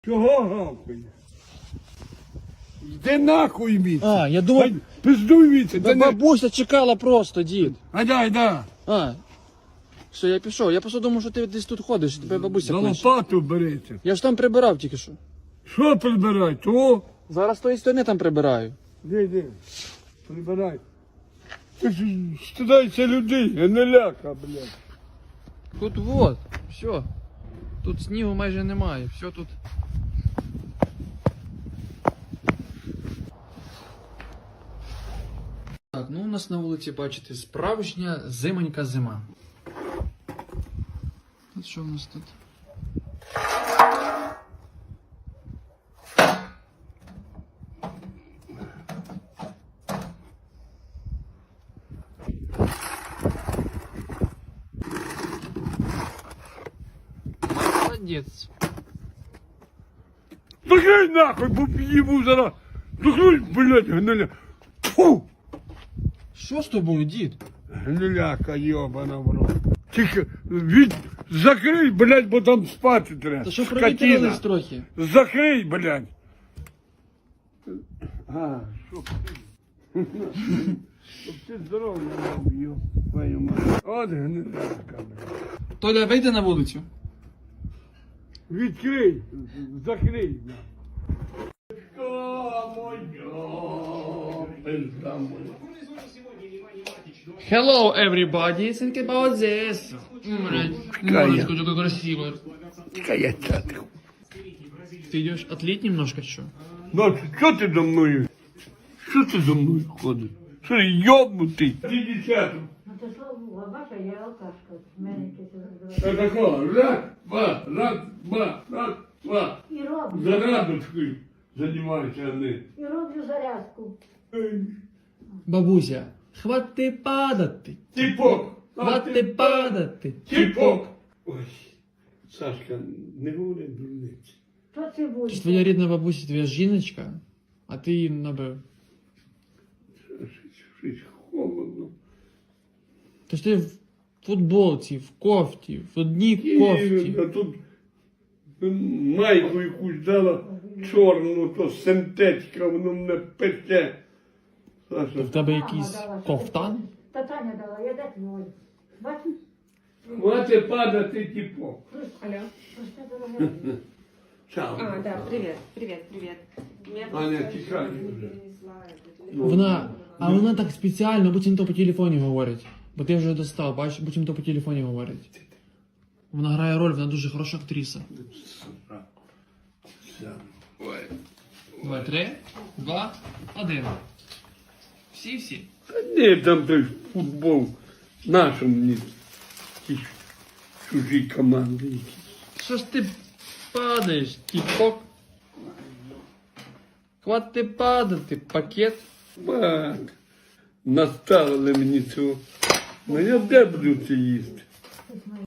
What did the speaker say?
Чого гавкає? Йди нахуй віце. А, я думав, Пиздуй віце. да бабуся чекала просто, дід. Айда. А, все, я пішов. Я просто думав, що ти десь тут ходиш, тебе бабуся За кличе. лопату береться. Я ж там прибирав тільки що. Що прибирай? То? Зараз з тої сторони там прибираю. Іди. Прибирай. Ти ж стидайся людей, а не ляка, блядь. Тут вот, все. Тут снігу майже немає, все тут. Так, ну у нас на вулиці, бачите, справжня зимонька зима. От що в нас тут? Молодець. Закрий нахуй, бо їбу зараз. Закрий, блядь, гниля. Фу! Що з тобою, дід? Гниляка, йобана в рот. Тільки закрий, блядь, бо там спати треба. Та що Скотина. провітрились трохи? Закрий, блядь. А, щоб ти здоров'я мав, йоб твою мать. От гниляка, блядь. Толя, вийди на вулицю. Відкрий, закрий. Hello, everybody. Think about this. Немножко такой красивый. Какая чатка. Ты идешь отлить немножко, что? Ну, що ти за мною? Що ти за мною ходиш? Що йобнутий? Ти десяток. Ну то що, бача, я алкашка. В мене якесь Що такого? Раз, два. І роблю. Зарадочкою займайся, а не. І роблю зарядку. Бабуся, хвати падати. Тіпок. Хвати падати. Тіпок. Ой, Сашка, не говори дурниці. Що це буде? Це твоя рідна бабуся, твоя жіночка, а ти її набив. Щось холодно. Тож ти в футболці, в кофті, в одній кофті. А тут майку якусь дала чорну, то синтетика, воно мене пече. Саша, В тебе якийсь кофтан? Та Таня дала, я де твой. Бачиш? хватить падати тіпок. Алло. Просто дорога. Чао. А, да, привет, привет, привет. Меня Аня, просто тихай не вже. перенесла это, телефон. Вона так спеціально, буцімто по телефоні говорить. Бо ти вже достав, бачиш, буцімто по телефоні говорить. Вона грає роль, вона дуже хороша актриса. Ой. 2, 3, 2, 1. Всі. Та ні, там той футбол нашому мені. Ті чужі команди якісь. Що ж ти падаєш, тіпок? Хвати падати, пакет. Бак. Наставили мені цього. Ну я де буду це їсти?